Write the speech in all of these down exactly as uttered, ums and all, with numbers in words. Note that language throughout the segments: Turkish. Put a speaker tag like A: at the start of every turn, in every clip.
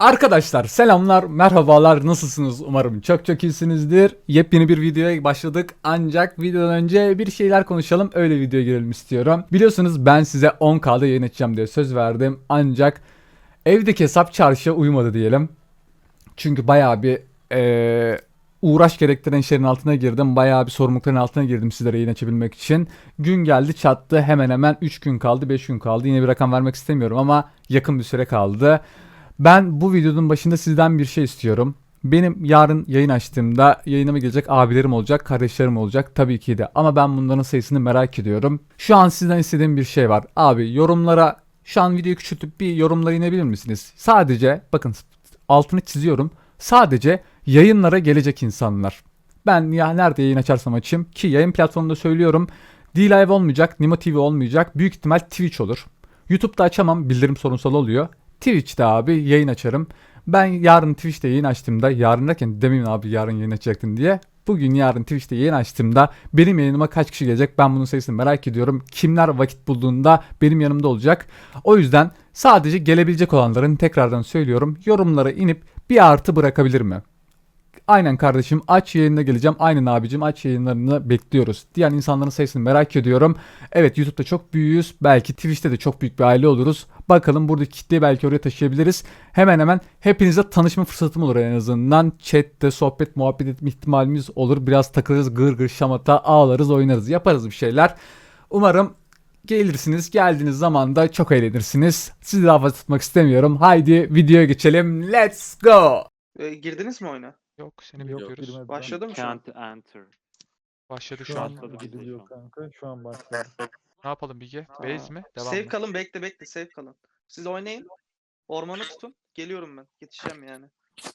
A: Arkadaşlar selamlar, merhabalar, nasılsınız? Umarım çok çok iyisinizdir. Yepyeni bir videoya başladık ancak videodan önce bir şeyler konuşalım, öyle videoya girelim istiyorum. Biliyorsunuz ben size on K'da yayın açacağım diye söz verdim ancak evdeki hesap çarşıya uymadı diyelim. Çünkü bayağı bir eee, uğraş gerektiren işlerin altına girdim. Bayağı bir sorumlulukların altına girdim sizlere yayın açabilmek için. Gün geldi çattı, hemen hemen üç gün kaldı, beş gün kaldı. Yine bir rakam vermek istemiyorum ama yakın bir süre kaldı. Ben bu videonun başında sizden bir şey istiyorum. Benim yarın yayın açtığımda yayınıma gelecek abilerim olacak, kardeşlerim olacak tabii ki de. Ama ben bunların sayısını merak ediyorum. Şu an sizden istediğim bir şey var. Abi yorumlara şu an videoyu küçültüp bir yorumlara inebilir misiniz? Sadece bakın altını çiziyorum. Sadece yayınlara gelecek insanlar. Ben ya nerede yayın açarsam açayım ki yayın platformunda söylüyorum. D-Live olmayacak, Nimo T V olmayacak. Büyük ihtimal Twitch olur. YouTube'da açamam, bildirim sorunsal oluyor. Twitch'te abi yayın açarım. Ben yarın Twitch'te yayın açtığımda, yarın derken demeyin abi yarın yayın açacaktın diye. Bugün yarın Twitch'te yayın açtığımda benim yayınıma kaç kişi gelecek ben bunun sayısını merak ediyorum. Kimler vakit bulduğunda benim yanımda olacak. O yüzden sadece gelebilecek olanların tekrardan söylüyorum yorumlara inip bir artı bırakabilir mi? Aynen kardeşim aç yayınına geleceğim. Aynen abicim aç yayınlarını bekliyoruz. Diğer insanların sayısını merak ediyorum. Evet YouTube'da çok büyüğüz. Belki Twitch'te de çok büyük bir aile oluruz. Bakalım buradaki kitleyi belki oraya taşıyabiliriz. Hemen hemen hepinizle tanışma fırsatım olur en azından. Chat'te sohbet muhabbet etme ihtimalimiz olur. Biraz takılırız gır gır şamata ağlarız oynarız yaparız bir şeyler. Umarım gelirsiniz. Geldiğiniz zaman da çok eğlenirsiniz. Sizi daha fazla tutmak istemiyorum. Haydi videoya geçelim. Let's go.
B: E, girdiniz mi oyuna?
C: Yok seni
D: Yok,
C: bekliyoruz.
D: girmedi.
B: Başladı mı şu an?
E: Can't enter.
C: Başladı
D: Şu
C: şu
D: an
C: an.
E: Başladı bizde
D: gidiliyor
E: şu an.
D: kanka. Şu an başladı.
C: Ne yapalım Bilge?
B: Aa,
C: Base mi? Devam
B: Save
C: mı?
B: kalın, bekle bekle, save kalın. Siz oynayın. Ormanı tutun. Geliyorum ben. Yetişeceğim yani.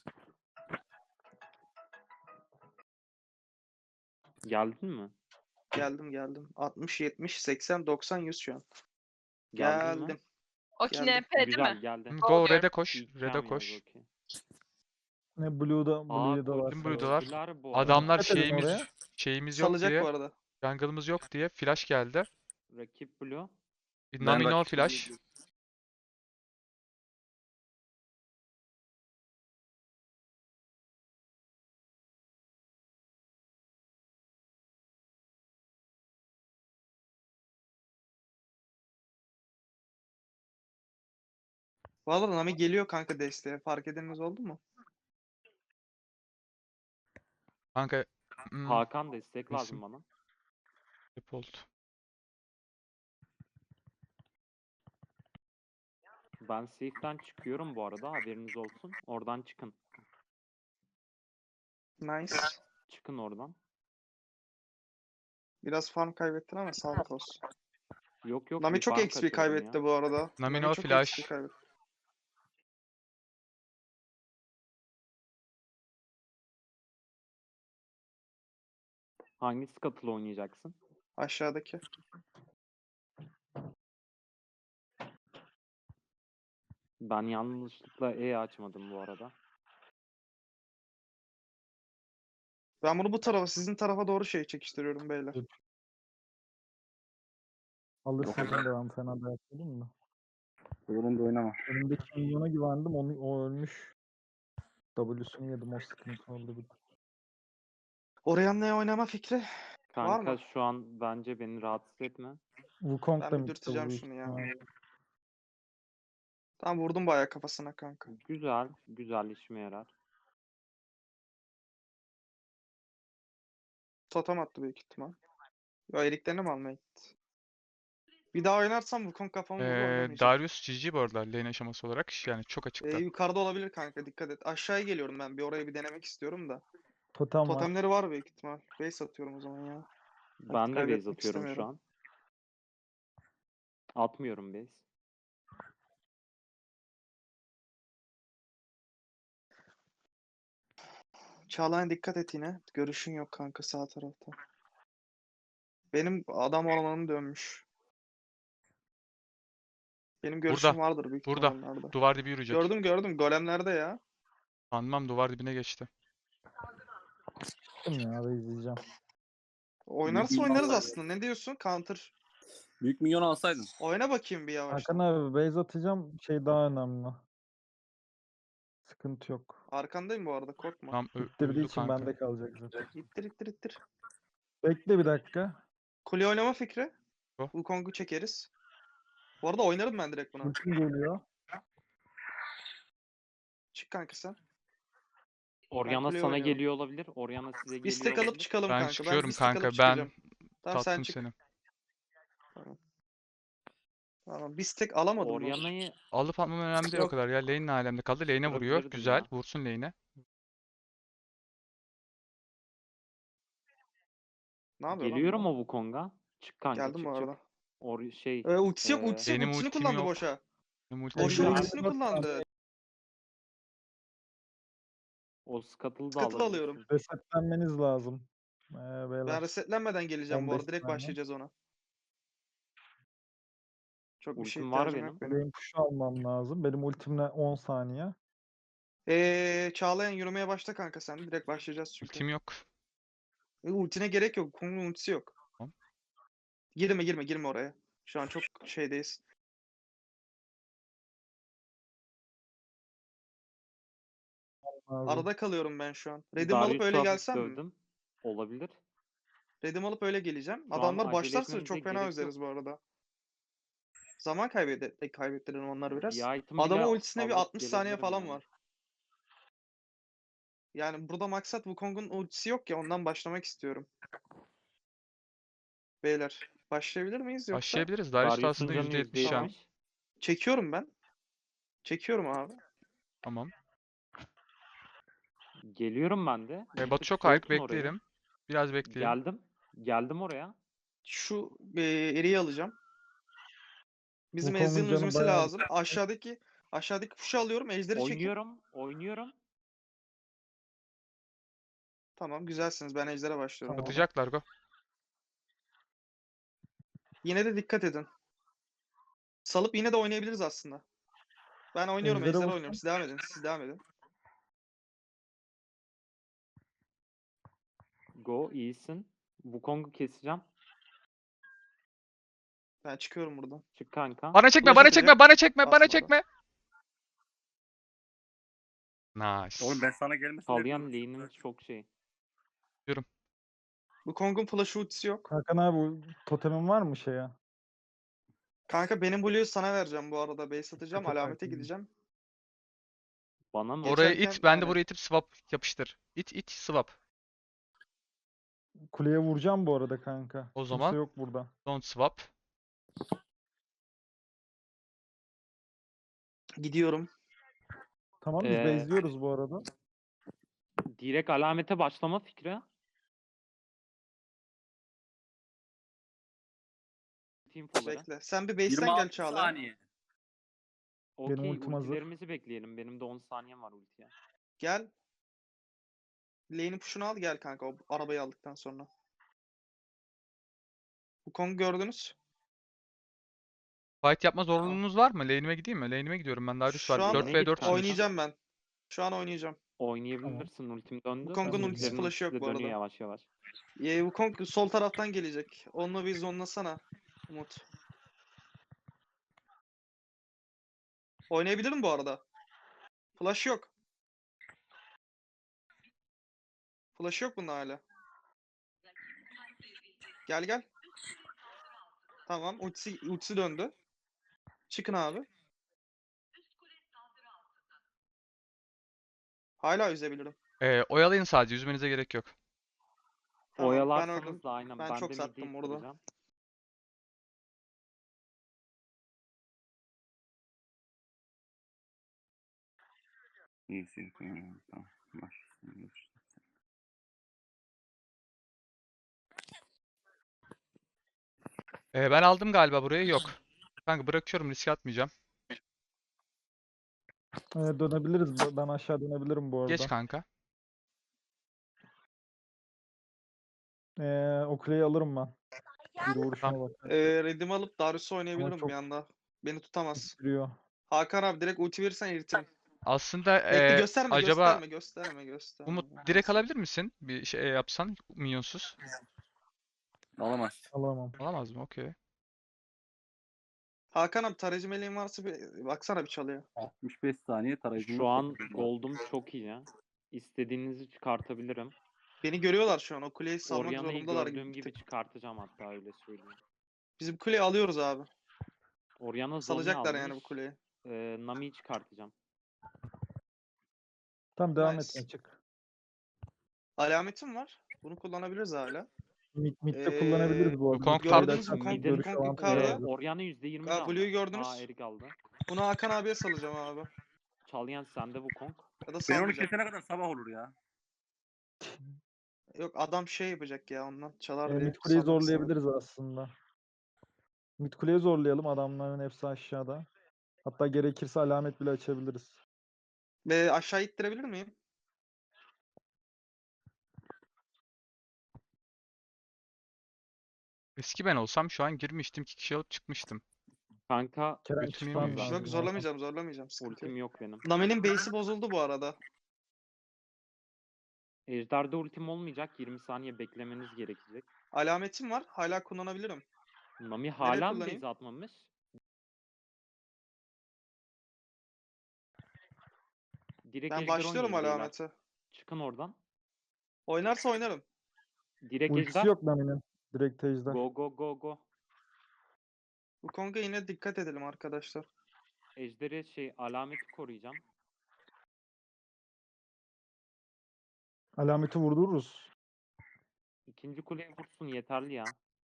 E: Geldin mi?
B: Geldim geldim. altmış, yetmiş, seksen, doksan, yüz şu an.
E: Geldin mi?
B: Geldim.
F: Okey
B: Geldim.
F: N P değil
E: Güzel
F: mi?
E: geldi.
C: Hı, Go
F: Oluyor.
C: red'e koş.
E: İlkem
C: Red'e
E: yaz,
C: koş.
E: okey.
D: Ne Blue'da,
E: Aa
D: Blue'da var.
C: Bizim Blue'dalar.
E: koştular bu arada.
C: Adamlar
D: Dikkat edin
C: şeyimiz
D: oraya.
C: şeyimiz yok
B: Salacak
C: diye,
B: bu arada.
C: jungle'ımız yok diye flash geldi.
E: Rakip Blue.
C: Bir Nami no
B: rakip
C: flash.
B: Valla Nami geliyor kanka desteğe. Fark edeniniz oldu mu?
C: Kanka hmm,
E: Hakan destek
C: isim.
E: lazım bana.
C: default.
E: Ben safe'den çıkıyorum bu arada, haberiniz olsun. Oradan çıkın.
B: Nice.
E: Çıkın oradan.
B: Biraz farm kaybettin ama sağlık olsun.
E: Yok yok.
B: Nami
E: bir
B: çok
E: farm
B: X P
E: kaçırdım
B: kaybetti
E: ya.
B: bu arada.
C: Nami no
B: çok
C: flash.
B: X P kaybetti.
E: Hangi scuttle oynayacaksın?
B: Aşağıdaki.
E: Ben yanlışlıkla E açmadım bu arada.
B: Ben bunu bu tarafa, sizin tarafa doğru şey çekiştiriyorum beyler.
D: Alırsaydım da ben fena dayak yedim de.
G: Doğru da oynama.
D: Önümdeki minyona güvendim. Onu, o ölmüş. W'sunu yedim. O sıkıntı oldu bir de.
B: Orianna'ya oynama fikri var
E: Kanka
B: mı?
E: şu an bence beni rahatsız etme.
D: Wukong
B: Ben
D: da
B: bir
D: midde
B: dürteceğim
D: bu
B: şunu ya.
D: ihtimalle.
B: Tam vurdum bayağı kafasına kanka.
E: Güzel, güzel işime yarar.
B: Totem attı büyük ihtimal. Ya eriklerini mi almaya gitti? Bir daha oynarsam bu konu kafamı vurur
C: Ee,
B: oynamayacağım.
C: Darius G G bu arada lane aşaması olarak yani çok
B: Ee,
C: açıkta.
B: yukarıda olabilir kanka, dikkat et. Aşağıya geliyorum ben, bir orayı bir denemek istiyorum da.
D: Totem var.
B: Totemleri var büyük ihtimal. Base atıyorum o zaman ya.
E: Ben de base
B: kaybetmek
E: atıyorum şu
B: istemiyorum.
E: an. Atmıyorum base.
B: Çağlayan dikkat et yine. Görüşün yok kanka sağ tarafta. Benim adam ormanım dönmüş. Benim görüşüm
C: Burada,
B: vardır büyük
C: burada.
B: ihtimal onlarda.
C: Duvar dibi yürüyecek.
B: Gördüm gördüm, golemlerde ya.
C: Sanmam duvar dibine geçti.
D: Çıktım ya. Ve izleyeceğim.
B: Oynarsa
G: Büyük
B: oynarız
G: minyon
B: aslında. Ne diyorsun? Counter.
G: Büyük milyon alsaydın.
B: Oyna bakayım bir yavaştan.
D: Hakan abi base atacağım. Şey daha önemli. Sıkıntı yok.
B: Arkandayım bu arada, korkma.
C: Tam ö-
D: İttirdiği
C: öldü
D: için
C: kanka.
D: bende kalacak zaten.
B: İttir ittir ittir.
D: Bekle bir dakika.
B: Kule oynama fikri.
C: Go.
B: Wukong'u çekeriz. Bu arada oynarım ben direkt buna.
D: Ultim geliyor.
B: Çık kanka sen.
E: Orianna
B: kuleye
E: sana
B: oynuyorum.
E: geliyor olabilir. Orianna size
B: Bir
E: geliyor
B: stack alıp
E: olabilir.
B: çıkalım
C: Ben
B: kanka.
C: çıkıyorum
B: bir stack
C: kanka.
B: alıp
C: Ben
B: çıkacağım. Tamam sen
C: tattım
B: çık.
C: seni.
B: Tamam, bir stack alamadım mı?
E: Orianna'yı
C: Alıp atmam önemli değil o
B: Yok.
C: kadar ya. Lane ne alemde kaldı. Lane'e vuruyor.
E: Kırabilirdim
C: Güzel.
E: ya.
C: Vursun lane'e.
B: Ne yapıyor lan
E: geliyorum
B: bu?
E: o Wukong'a. Çık kanka,
B: Geldim bu
E: çık çık.
B: arada.
E: Or şey
B: Ee, ultisi yok,
E: Ee,
B: ultisi yok.
C: Benim
B: Ultisini
C: ultim
B: kullandı
C: yok.
B: boşa.
C: Benim ultim
B: Boşa
E: Benim
C: yok.
B: ultisini kullandı.
E: o scuttle'ı da
B: Scuttle
E: alabilirsin.
B: alıyorum.
D: Resetlenmeniz lazım. Ee,
B: Ben
D: beyler.
B: resetlenmeden geleceğim bu
D: on beş
B: arada. Direkt
D: saniye.
B: başlayacağız ona. Çok bir şey
E: Ultim var
B: ihtiyacım
E: benim.
B: yok benim.
D: Benim push almam lazım. Benim ultimle on saniye.
B: Ee, Çağlayan yürümeye başla kanka sen. Direkt başlayacağız çünkü.
C: Ultim yok.
B: E, ultine gerek yok. Kong'un ultisi yok.
C: Tamam.
B: Girme girme girme oraya. Şu an çok şeydeyiz.
D: Lazım.
B: Arada kalıyorum ben şu an. Redim alıp
E: Darius'u
B: öyle
E: hafif
B: gelsem mi?
E: dövdüm. Olabilir.
B: Redim alıp öyle geleceğim.
E: Şu an
B: Adamlar
E: acele
B: başlarsa
E: etmemize
B: çok fena
E: gerek
B: özleriz bu arada. Zaman kaybede kaybettirelim onlar biraz.
E: Bir item
B: Adamın
E: bile
B: ultisine bir
E: alıp
B: altmış saniye
E: gelebilirim
B: falan
E: yani.
B: var. Yani burada maksat Wukong'un ultisi yok ya, ondan başlamak istiyorum. Beyler başlayabilir miyiz yoksa?
C: Başlayabiliriz. Darius da
E: Darius'un
C: aslında
E: canı
C: yüzde
E: yüzde
C: yetmiş şan.
E: yetmiş.
B: Çekiyorum ben. Çekiyorum abi.
C: Tamam.
E: Geliyorum ben de.
C: E,
E: Bir
C: Batu
E: tık
C: çok ayık.
E: soğutun orayı.
C: Bekleyelim. Biraz bekleyelim.
E: Geldim. Geldim oraya.
B: Şu e, eriği alacağım. Bizim
D: Wukong'un
B: Ezreal'ın
D: canı
B: üzmesi
D: bayağı-
B: lazım. Aşağıdaki aşağıdaki push'u alıyorum. Ejderi çekip.
E: Oynuyorum. Oynuyorum.
B: Tamam, güzelsiniz. Ben ejdere başlıyorum.
D: Tamam.
C: Atacaklar go.
B: Yine de dikkat edin. Salıp yine de oynayabiliriz aslında. Ben oynuyorum,
D: Ejder'e
B: ejder
D: vursun.
B: oynuyorum. Siz devam edin. Siz devam edin.
E: Go, iyisin. Wukong'u keseceğim.
B: Ben çıkıyorum buradan.
E: Çık kanka.
C: Bana çekme,
B: Flash
C: bana
B: atacak.
C: çekme, bana çekme, bana
B: Atmadı.
C: çekme. Nice.
G: Oğlum ben sana gelmesin
E: Salyan
G: dedim.
E: lane'in çok şey.
B: Bu Kong'un flash ultisi yok.
D: Hakan abi bu totemin var mı şeye?
B: Kanka benim Blue'yu sana vereceğim bu arada. Base atacağım.
D: Dikkat et
B: Alamete
D: Hakan.
B: gideceğim.
E: Bana mı?
C: Oraya
B: Geçerken
C: it, ben de
B: hani-
C: buraya itip swap yapıştır. İt, it, swap.
D: Kuleye vuracağım bu arada kanka.
C: O
D: Kimse
C: zaman-
D: yok burada.
C: Don't swap.
B: Gidiyorum.
D: Tamam biz
E: Ee,
D: base'liyoruz bu arada.
E: Direkt alamete başlama fikri. Team follower'a.
B: Bekle. Sen bir base'ten
G: yirmi
B: gel
G: altı
B: Çağlayan.
G: saniye.
D: Benim
E: Okey,
D: ultim hazır.
E: ultilerimizi bekleyelim. Benim de on saniyem var ultiye.
B: Gel. Lane'in push'unu al gel kanka. O arabayı aldıktan sonra. Bu Kong'u gördünüz.
C: Fight yapma zorunluluğunuz var mı? Lane'ime gideyim mi? Lane'ime gidiyorum ben. Darius
B: Şu
C: var.
B: an
C: dört ve dört
E: kanka.
B: Oynayacağım ben. Şu an oynayacağım.
E: Oynayabilirsin, ultim döndü.
B: Wukong'un
D: Ben
B: ultisi
D: de
B: flash'ı yok
E: size
B: bu
E: dönüyor
B: arada.
E: yavaş yavaş.
B: Ee, bu Kong sol taraftan gelecek. Onunla bir zonlasana Umut. Oynayabilirim bu arada. Flash yok. Flash yok bunda hala. Gel gel. Tamam, ultisi, ultisi döndü. Çıkın abi. Hala üzebilirim.
C: Ee, oyalayın sadece. Yüzmenize gerek yok.
B: Tamam, ben
E: Oyalarsanız
B: öldüm.
E: da aynen.
B: Ben
E: Ben,
B: çok
E: de
B: sattım
E: mid'i
B: orada.
E: ittireceğim.
G: İyisin. Tamam. Tamam. Başlasın.
C: Ee, ben aldım galiba burayı. Yok. Kanka bırakıyorum. Riske atmayacağım.
D: Ee, dönebiliriz. Ben aşağı dönebilirim bu arada.
C: Geç kanka.
D: Ee, o kuleyi alırım ben. Bir vuruşuma
C: Tamam.
D: bak.
B: Ee, Redimi alıp Darius'u oynayabilirim
D: çok-
B: bir anda. Beni tutamaz.
D: Giriyor.
B: Hakan abi direkt ulti verirsen eritirim.
C: Aslında
B: Bekle
C: ee,
B: gösterme
C: acaba
B: gösterme gösterme gösterme.
C: Umut direkt
B: Neyse.
C: alabilir misin? Bir şey yapsan minyonsuz.
G: Alamaz.
D: Alamam.
C: Alamaz mı? Okey.
B: Hakan abi tarayıcı meleğin varsa bir baksana bir çalıyor.
G: altmış beş saniye tarayıcımız.
E: Şu an
G: sekiz var.
E: gold'um çok iyi ya. İstediğinizi çıkartabilirim.
B: Beni görüyorlar şu an. O kuleyi salmak
E: Orianna'yı
B: zorundalar
E: gördüğüm
B: gibi. bir
E: gibi
B: tık.
E: çıkartacağım hatta öyle söyleyeyim.
B: Bizim kuleyi alıyoruz abi.
E: Orianna Zonya
B: Salacaklar yani bu
E: almış.
B: kuleyi.
E: Ee, Nami'yi çıkartacağım.
D: Tamam devam
B: Nice.
D: et açık.
B: Alametim var. Bunu kullanabiliriz hala.
D: Mid, mid'de
B: Ee,
D: kullanabiliriz bu arada.
C: Wukong
D: Mid'de
B: gördünüz mü?
D: açarsak
B: Kong-
D: görüş
B: Kong
D: avantajı
B: yukarıda.
E: Ee,
D: alırız.
E: Orianna yüzde yirmi
B: Aa,
E: aldı.
B: Blue'yu gördünüz.
E: Aa Erik aldı.
B: Bunu Hakan abiye salacağım abi.
E: Çalyan sende Wukong.
B: Ya da
G: Ben onu
B: salmayacağım.
G: kesene kadar sabah olur ya.
B: Yok adam şey yapacak ya ondan. Çalar
D: E,
B: diye.
D: mid kuleyi
B: salmak istemedim.
D: zorlayabiliriz aslında. Mid kuleyi zorlayalım. Adamların hepsi aşağıda. Hatta gerekirse alamet bile açabiliriz.
B: Ve aşağı ittirebilir miyim?
C: Eski ben olsam şu an girmiştim. iki kişi alıp çıkmıştım.
E: Kanka
D: Kerem
C: Götüm
D: çıkman
C: yememiş.
D: lazım.
B: Yok zorlamayacağım zorlamayacağım. Sıkıntı
E: ultim
B: yok.
E: yok benim.
B: Nami'nin base'i bozuldu bu arada.
E: Ejder'de ultim olmayacak. yirmi saniye beklemeniz gerekecek.
B: Alametim var. Hala kullanabilirim.
E: Nami hala mı
B: kullanayım?
E: base atmamış? Direkt
B: Ben
E: ejder
B: başlıyorum
E: oynayın beyler.
B: alamete.
E: Çıkın oradan.
B: Oynarsa oynarım.
E: Direkt
D: Ultisi
E: ejder.
D: yok Nami'nin. Direkt ejder.
E: Go go go go.
B: Bu Kong'a yine dikkat edelim arkadaşlar.
E: Ejderi şey alameti koruyacağım.
D: Alameti vurdururuz.
E: İkinci kuleye vursun yeterli ya.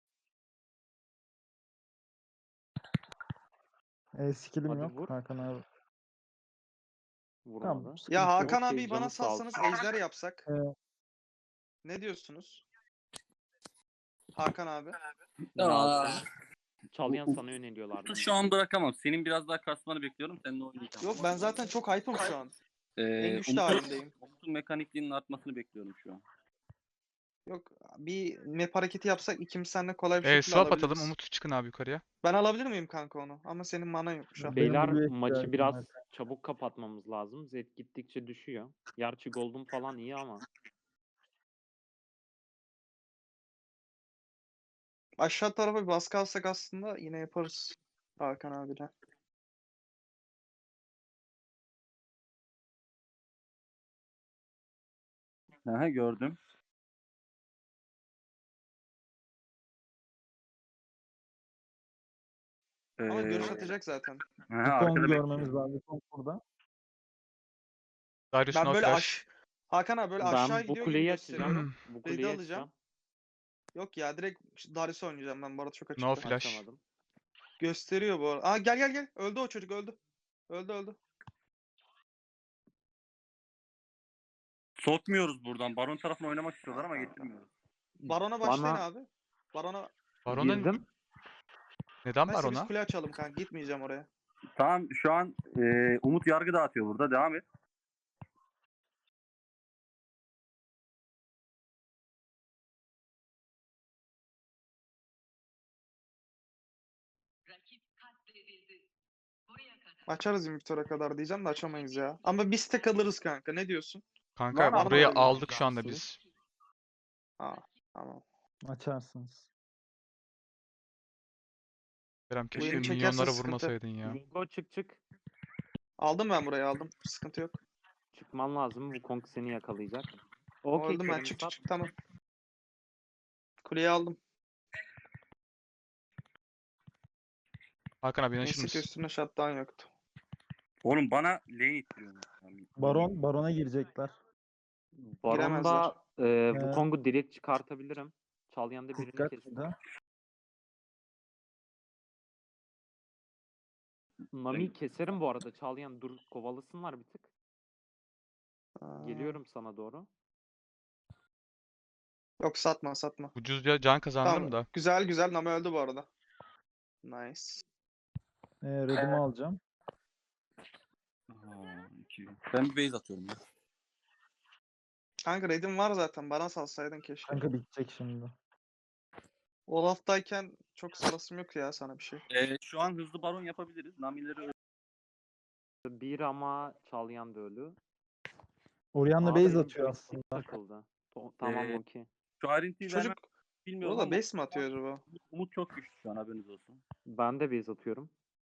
D: E, skill'im
E: Hadi
D: yok
E: vur.
D: Hakan abi.
E: Vurmadı.
D: Tamam. sıkıntı
B: Ya
D: yok.
B: Hakan
E: Okey,
B: abi bana
E: canı sağ
B: salsanız
E: olsun.
B: ejder yapsak.
D: Ee,
B: Ne diyorsunuz? Hakan abi.
E: Ne
G: Aa.
E: yaptın? Çalyan
G: U-
E: sana yöneliyorlardı.
G: Şu an bırakamam. Senin biraz daha kasmanı bekliyorum. Seninle oynayacağım.
B: Yok ben zaten çok hype'ım şu an.
G: Ee,
B: En güçlü
G: Umut'un-
B: halindeyim.
G: Umut'un mekanikliğinin artmasını bekliyorum şu an.
B: Yok bir map hareketi yapsak ikimiz seninle kolay bir
C: Ee,
B: şekilde
C: swap
B: alabiliriz.
C: atalım. Umut çıkın abi yukarıya.
B: Ben alabilir miyim kanka onu? Ama senin manan yok şu an.
D: Benim
E: Beyler
D: Blue'ya
E: maçı
D: ihtiyacım
E: biraz
D: var.
E: çabuk kapatmamız lazım. Zed gittikçe düşüyor. Gerçi Gold'um falan iyi ama.
B: Aşağı tarafa bir baskı alsak aslında yine yaparız. Hakan abiyle.
G: Aha, gördüm.
B: Ama görüş
G: Ee,
B: atacak zaten.
G: aha,
D: Kong
G: arkada
D: görmemiz
G: bekliyorum.
D: lazım. Kong burada.
C: Darius
B: Ben
C: no
B: böyle
C: flash.
B: aş... Hakan abi böyle aşağı
E: Ben bu
B: gidiyor gibi
E: kuleyi açacağım.
B: gösteriyorum.
E: Bu
B: Red'i
E: kuleyi
B: alacağım.
E: açacağım.
B: Yok ya direkt Darius oynayacağım ben bu arada çok
C: No
B: açıkta.
C: flash.
E: Açamadım.
B: Gösteriyor bu arada. Aa gel gel gel. Öldü o çocuk öldü. Öldü öldü.
G: Sokmuyoruz buradan. Baron tarafına oynamak istiyorlar ama getirmiyoruz.
B: Barona başlayın
E: Bana-
B: abi. Barona.
C: Baron'un
E: Girdim.
C: neden
B: Neyse biz
C: Baron'a?
B: kule açalım kanka. Gitmeyeceğim oraya.
G: Tamam şu an e, Umut yargı dağıtıyor burada. Devam et.
B: Açarız Invictor'a kadar diyeceğim de açamayız ya. Ama biz tek alırız kanka. Ne diyorsun?
C: Kanka
G: Var mı
C: burayı
B: abi?
C: aldık şu anda biz.
B: Aa tamam.
D: Açarsınız.
C: Kerem keşke
B: Oyunu çekerse
C: minyonlara
B: sıkıntı.
C: vurmasaydın ya.
E: Go çık çık.
B: Aldım ben burayı aldım. Sıkıntı yok.
E: Çıkman lazım. Bu Kong seni yakalayacak.
B: O
E: Okey
B: öldüm ben.
E: Kerem
B: Çık çık
E: sat.
B: çık tamam. Kuleyi aldım.
C: Hakan abi yanaşır
B: Neyse ki
C: mısın?
B: üstüne shutdown yoktu.
G: Oğlum bana lane ittiriyor.
D: Baron, Baron'a girecekler.
E: Baron'da e, bu
D: He.
E: Kong'u direkt çıkartabilirim. Çalyan'da birini
D: Dikkat
E: kestim.
D: de.
E: Nami keserim bu arada. Çalyan dur kovalasınlar bir tık.
B: Aa,
E: Geliyorum sana doğru.
B: Yok satma satma.
C: Ucuzca can kazandım
B: Tamam.
C: da.
B: Güzel güzel. Nami öldü bu arada. Nice.
D: E, Red'imi alacağım.
G: Aa, iki. Ben bir base atıyorum ya.
B: Kanka Red'in var zaten. Bana salsaydın keşke.
D: Kanka bitecek şimdi.
B: Olaf'tayken çok sarasım yok ya sana bir şey.
G: Ee, şu an hızlı baron yapabiliriz. Namileri
E: Bir ama Çalyan da ölü.
D: Orianna
E: Aa,
D: base
E: benim
D: atıyor
E: joystick
D: aslında.
E: takıldı. To- tamam
G: Ee,
E: okey.
G: şu ayrıntıyı
B: Çocuk
G: vermem bilmiyorum
B: burada
G: ama
B: base mi atıyor acaba?
G: Umut çok güçlü şu an haberiniz olsun.
E: Ben de base atıyorum.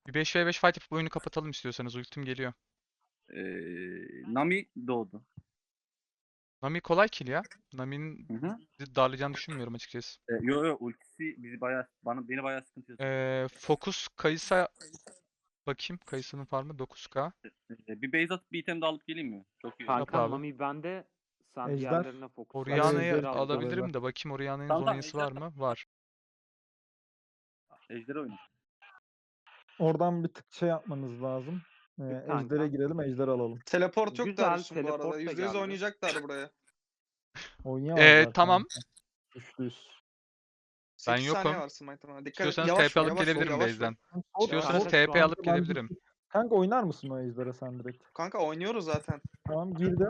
C: Bir beş ve beş fight yapıp oyunu kapatalım istiyorsanız. Ultim geliyor.
G: Ee, Nami doğdu.
C: Nami kolay kill ya. Nami'nin
G: Hı hı.
C: bizi darlayacağını düşünmüyorum açıkçası.
G: Ee, yo yo ultisi bizi bayağı bana beni bayağı sıkıntıya soktu.
C: Ee, Focus Kayısa bakayım. Kayısının farmı dokuz K.
G: Ee, bir base atıp bir item de alıp geleyim mi? Çok iyi olur.
C: Yap
E: Kanka
C: abi.
E: Nami bende. Sen
D: Ejder.
E: diğerlerine fokus. ver.
C: Orianna'yı
D: Ejder
E: al.
C: alabilirim
D: böyle.
C: de bakayım Orianna'nın
G: Tamam, tamam,
C: zonyası var
G: Ejder-
C: mı? Var.
G: Ejder'e oyna.
D: Oradan bir tık şey yapmanız lazım. Ee,
E: Git kanka.
D: Ejder'e girelim, Ejder alalım.
B: Teleport yok
E: Güzel,
B: Darius'un bu
E: teleport
B: arada.
E: da
B: yüzde yüz
E: geldi.
B: oynayacaklar buraya.
D: Oynayamaz
C: Ee,
D: zaten.
C: tamam.
D: Üçlü yüz.
C: Ben
B: sekiz saniye
C: yokum.
B: var Smite'ına. Dikkat et.
C: İstiyorsanız
B: Yavaş
C: T P
B: vur,
C: alıp
B: yavaş vur,
C: gelebilirim
B: yavaş vur.
C: base'den.
D: Sor-
C: İstiyorsanız
D: sor-
C: T P alıp
D: kanka ben-
C: gelebilirim.
D: Kanka oynar mısın o Ejder'e sen direkt?
B: Kanka oynuyoruz zaten.
D: Tamam girdi.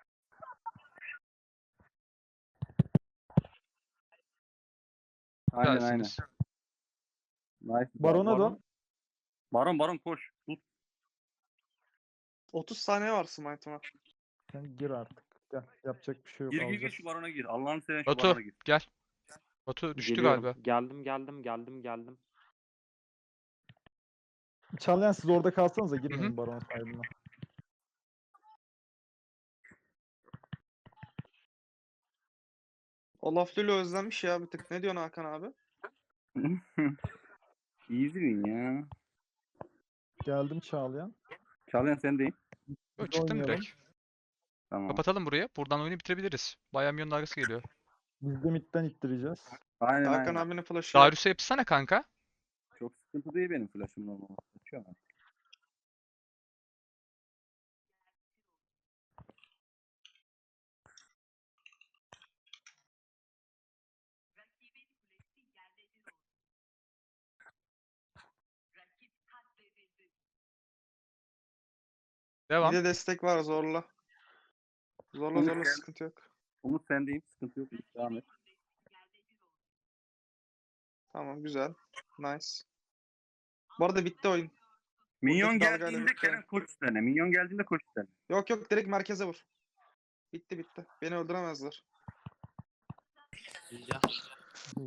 G: Aynen aynen.
C: Güzelsiniz.
G: Nice.
D: Barona
G: Baron.
D: dön.
G: Baron Baron koş. Tut.
B: otuz saniye var Smite'ına.
D: Sen gir artık. Gel. Yapacak bir şey yok.
G: Gir gir gir
D: alacağız.
G: şu Baron'a gir. Allah'ını seven şu
C: Batu
G: Baron'a gir.
C: gel. Batu düştü
E: Geliyorum.
C: galiba.
E: Geldim geldim geldim geldim.
D: Çalyan siz orada kalsanız da
C: Hı
D: girmeyin
C: hı.
D: Baron saydığına.
B: Olaf Lulu özlenmiş ya bir tık. Ne diyorsun Hakan abi?
G: Easy win ya.
D: Geldim Çağlayan.
G: Çağlayan sendeyim.
C: Yo,
D: Biz
C: çıktım
D: oynayalım.
C: direkt.
G: Tamam.
C: Kapatalım burayı. Buradan oyunu bitirebiliriz. Bayağı milyonun arkası geliyor.
D: Biz de midden ittireceğiz.
G: Aynen
B: Hakan
G: aynen.
B: abinin flash'ı yok.
C: Darius'a yapışsana kanka.
G: Çok sıkıntı değil benim flash'ımın olmaması. Açıyor ama.
C: Devam.
B: Bir de destek var zorla. Zorla
G: Umut
B: zorla
G: gel.
B: sıkıntı yok.
G: Umut sendeyim. Sıkıntı yok. Devam et.
B: Tamam güzel. Nice. Bu arada bitti oyun.
G: Minyon
B: Buradaki dalgayla
G: geldiğinde
B: bitti.
G: Kerem koş üstlerine. Minyon geldiğinde koş üstlerine.
B: Yok yok direkt merkeze vur. Bitti bitti. Beni öldüremezler.